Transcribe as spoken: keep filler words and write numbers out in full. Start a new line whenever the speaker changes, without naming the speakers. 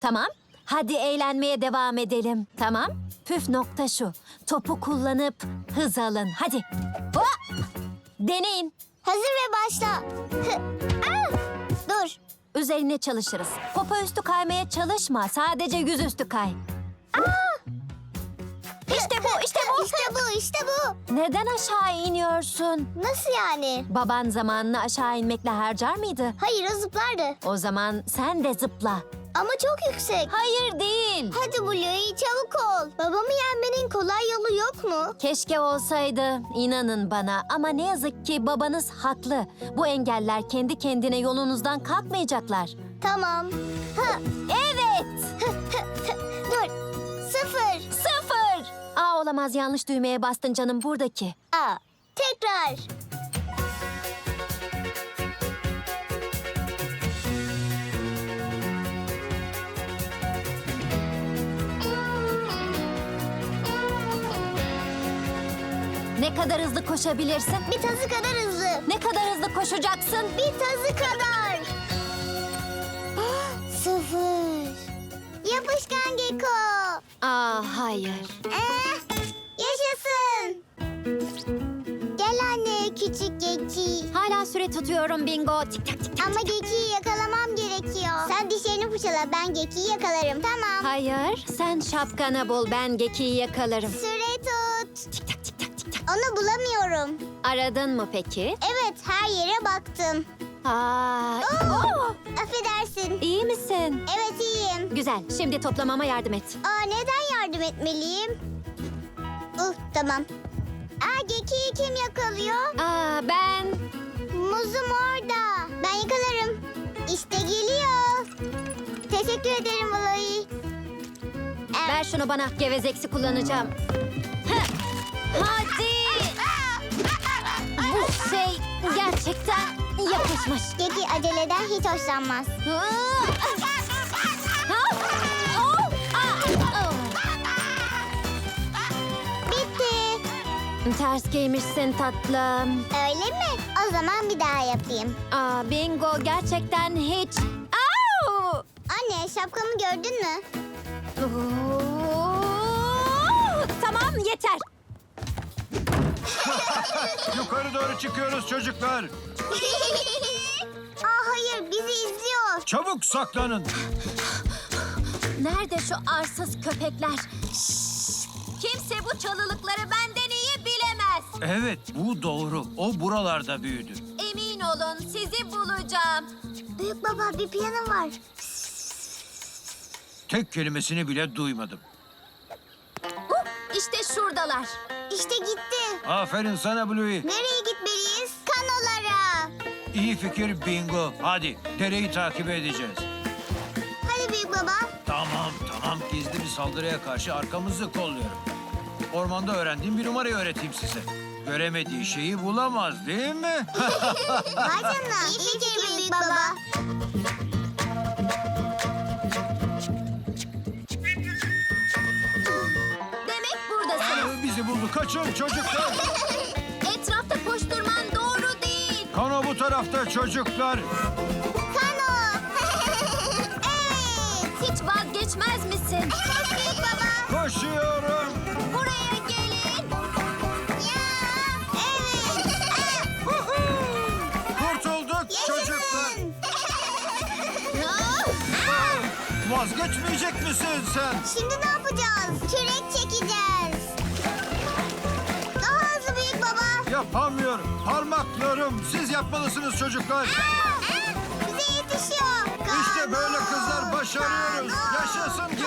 Tamam. Hadi eğlenmeye devam edelim. Tamam. Püf nokta şu. Topu kullanıp hız alın. Hadi. Hop! Deneyin.
Hazır ve başla. Hı. Aa! Dur.
Üzerine çalışırız. Popo üstü kaymaya çalışma. Sadece yüzüstü kay. İşte bu, işte bu.
İşte bu, işte bu.
Neden aşağı iniyorsun?
Nasıl yani?
Baban zamanını aşağı inmekle harcar mıydı?
Hayır, o zıplardı.
O zaman sen de zıpla.
Ama çok yüksek.
Hayır değil.
Hadi Bluey, çabuk ol. Babamı yenmenin kolay yolu yok mu?
Keşke olsaydı. İnanın bana. Ama ne yazık ki babanız haklı. Bu engeller kendi kendine yolunuzdan kalkmayacaklar.
Tamam. Hı.
Evet.
Dur. Sıfır.
Sıfır. Aa olamaz, yanlış düğmeye bastın canım, buradaki.
Aa. Tekrar.
Ne kadar hızlı koşabilirsin?
Bir tazı kadar hızlı.
Ne kadar hızlı koşacaksın?
Bir tazı kadar. Sıfır. Yapışkan Geko.
Aa hayır.
Eh, yaşasın. Gel anne, küçük Geki.
Hala süre tutuyorum bingo. Tik tak tik tak.
Ama Geki'yi yakalamam gerekiyor. Sen dişlerini fırçala, ben Geki'yi yakalarım, tamam.
Hayır, sen şapkanı bul, ben Geki'yi yakalarım.
Süre tut.
Tik tak tik tak tik tak.
Onu bulamıyorum.
Aradın mı peki?
Evet, her yere baktım.
Aa,
Oo,
oo,
affedersin.
iyi misin?
Evet, iyiyim.
Güzel, şimdi toplamama yardım et.
Aa, neden yardım etmeliyim? Uh, tamam. Aa, Geki'yi kim yakalıyor?
Aa, ben...
Muzum orada. Ben yakalarım. İşte geliyor. Teşekkür ederim Bluey. Ee,
Ver şunu bana, gevezeksi kullanacağım. Heh, hadi! Bu şey gerçekten yapışmış.
Geki aceleden hiç hoşlanmaz.
Aa! Ha? Oh! Aa! Oh!
Bitti.
Ters giymişsin tatlım.
Öyle mi? O zaman bir daha yapayım.
Aa, bingo gerçekten hiç... Au!
Anne, şapkamı gördün mü?
Oo! Tamam, yeter.
Yukarı doğru çıkıyoruz çocuklar.
Aa, hayır, bizi izliyor.
Çabuk saklanın.
Nerede şu arsız köpekler? Şşş! Kimse bu çalılıkları benden iyi bilemez.
Evet, bu doğru. O buralarda büyüdü.
Emin olun, sizi bulacağım.
Büyük baba, bir piyano var.
Tek kelimesini bile duymadım.
Uh, işte şuradalar.
İşte gitti.
Aferin sana Bluey.
Nereye gitmeliyiz? Kanolara.
İyi fikir bingo. Hadi dereyi takip edeceğiz.
Hadi büyük baba.
Tamam tamam, gizli bir saldırıya karşı arkamızı kolluyorum. Ormanda öğrendiğim bir numarayı öğreteyim size. Göremediği şeyi bulamaz değil mi?
Vay canına. İyi fikir büyük baba.
Demek buradasınız.
Bizi buldu. Kaçın çocuklar.
Etrafta koşturman doğru değil.
Kano bu tarafta çocuklar.
Kano. Evet.
Hiç vazgeçmez misin?
Evet büyük baba.
Koşuyorum.
Buraya gelin.
Ya. Evet.
Kurtulduk çocuklar.
Yaşasın.
Vazgeçmeyecek misin sen?
Şimdi ne yapacağız? Kürek çekeceğiz. Daha hızlı büyük baba.
Yapamıyorum. Parmaklarım. Siz yapmalısınız çocuklar.
Aa, bize yetişiyor.
İşte böyle
Kano.
kızlar başarıyoruz.
Kano.
Yaşasın